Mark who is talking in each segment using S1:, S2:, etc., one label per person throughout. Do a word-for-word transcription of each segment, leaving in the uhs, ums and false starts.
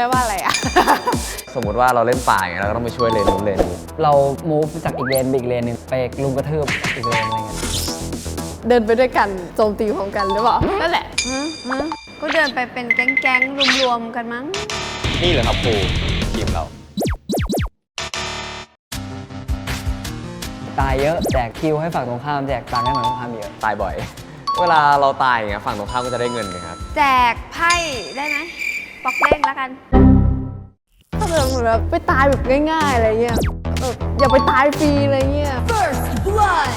S1: ลว่าอะไรอะ
S2: สมมติว่าเราเล่นป่าอย่างเงี้ยเราก็ต้องไปช่วยเลนนู้นเลนนี้
S3: เรามูฟจากอีกเลนไปอีกเลนหนึ่งไปลุมกระทืบอีกเลนอะไรเงี้ย
S1: เดินไปด้วยกันโจมตีพร้อมกันหรือเปล่านั่นแหละ
S4: ก็เดินไปเป็นแก๊งๆรวมๆกันมั้ง
S2: นี่เหรอครับครูทีมเรา
S3: ตายเยอะแจกคิวให้ฝั่งตรงข้ามแจกตังค์ให้ฝั่งตรงข้ามเยอะ
S2: ตายบ่อยเวลาเราตายอย่างเงี้ยฝั่งตรงข้ามก็จะได้เงินนะครับ
S4: แจกไพ่ได้ไหมปอกเด้งแล้วกัน
S1: ถ้าแบบไปตายแบบง่ายๆอะไรเงี้ยแบบอย่าไปตายฟรีอะไรเงี้ย First Blood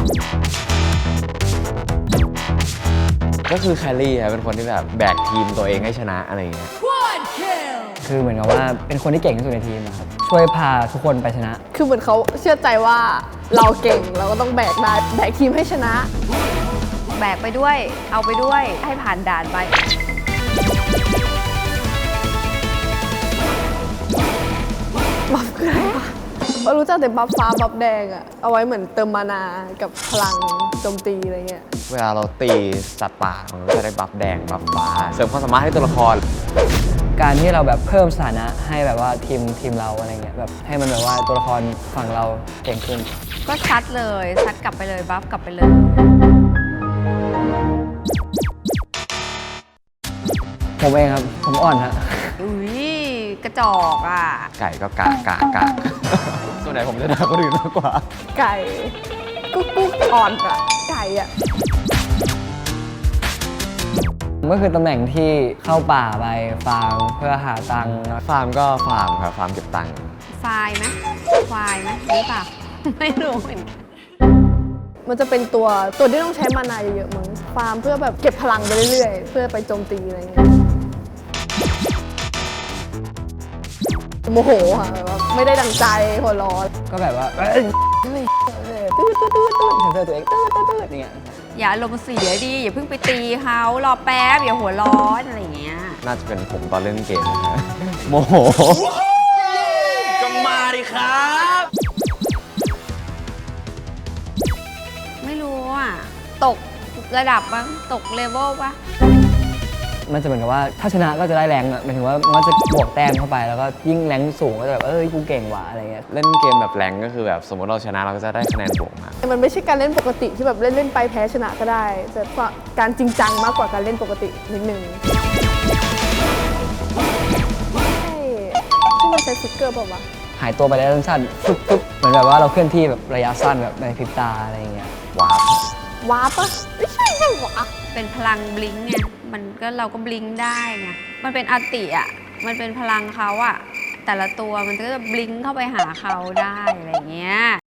S2: ก็คือแคลรี่ครับเป็นคนที่แบบแบกทีมตัวเองให้ชนะอะไรเงี้ย
S3: คือเหมือนกับว่าเป็นคนที่เก่งที่สุดในทีมครับช่วยพาทุกคนไปชนะ
S1: คือเหมือนเขาเชื่อใจว่าเราเก่งเราก็ต้องแบกได้แบกทีมให้ชนะ
S4: แบกไปด้วยเอาไปด้วยให้ผ่านด่านไป
S1: บัฟคืออะไรวะเรารู้จักแต่บัฟฟ้าบัฟแดงอะเอาไว้เหมือนเติมมานากับพลังโจมตีอะไรเงี้ย
S2: เวลาเราตีสัตว์ป่ามันก็จะได้บัฟแดงบัฟฟ้าเสริมความสามารถให้ตัวละคร
S3: การที่เราแบบเพิ่มสถานะให้แบบว่าทีมทีมเราอะไรเงี้ยแบบให้มันแบบว่าตัวละครฝั่งเราเก่งขึ้น
S4: ก็ชัดเลยชัดกลับไปเลยบัฟกลับไปเลย
S3: ผมเองครับผมอ่อนฮะ
S4: อุ้ยกระจอกอ่ะ
S2: ไก่ก็กะกะกะส่วนไหนผมจะด่าคนอื่นมากกว่า
S1: ไก่กุ๊กกุ๊กอ่อนอะไก่อะ
S3: ก็คือตำแหน่งที่เข้าป่าไปฟาร์มเพื่อหาตังค์
S2: ฟาร์มก็ฟาร์มครับฟาร์มเก็บตังค์
S4: ไฟล์ไหมไฟล์ไหมหรือเปล่าไม่รู้เหมือนกัน
S1: มันจะเป็นตัวตัวที่ต้องใช้มานาเยอะๆมั้งฟาร์มเพื่อแบบเก็บพลังไปเรื่อยๆเพื่อไปโจมตีอะไรเงี้ยโมโหค่ะแบบไม่ได้ดังใจหัวร้อน
S3: ก็แบบว่าตื้อตื้อตื้อตื้อตื้อตัวเองตื้อตื้อตื้ออย่างเงี้ย
S4: อย่าลมณ์เสียดีอย่าเพิ่งไปตีเขารอแป๊บอย่าหัวร้อนอะไรอย่างเงี้ย
S2: น่าจะเป็นผมตอนเล่นเกมนะโมโหก็มาดิครับ
S4: ไม่รู้อ่ะตกระดับบ้างตกเลเวลปะ
S3: มันจะเหมือนกับว่าถ้าชนะก็จะได้แรงอ่ะหมายถึงว่ามันจะบวกแต้มเข้าไปแล้วก็ยิ่งแรงสูงก็จะแบบเอ้ยกูเก่งว่ะอะไรเงี้ย
S2: เล่นเกมแบบแรงก็คือแบบสมมติเราชนะเราก็จะได้คะแนนบวกมา
S1: มันไม่ใช่การเล่นปกติที่แบบเล่นเล่นไปแพ้ชนะก็ได้แต่การจริงจังมากกว่าการเล่นปกตินิดนึงที่มันใช้ฟิกเกอร์เปล่าวะ
S3: หายตัวไปได้สั้นๆฟึบฟึบเหมือนแบบว่าเราเคลื่อนที่แบบระยะสั้นแบบในพริบตาอะไรเงี้ย
S2: ว้าว
S1: ว้าปะไม่ใช่ใช่วะ
S4: เป็นพลังบลิงไงมันก็เราก็บลิงได้ไงมันเป็นอัลติอ่ะมันเป็นพลังเขาอ่ะแต่ละตัวมันก็จะบลิงเข้าไปหาเขาได้อะไรเงี้ย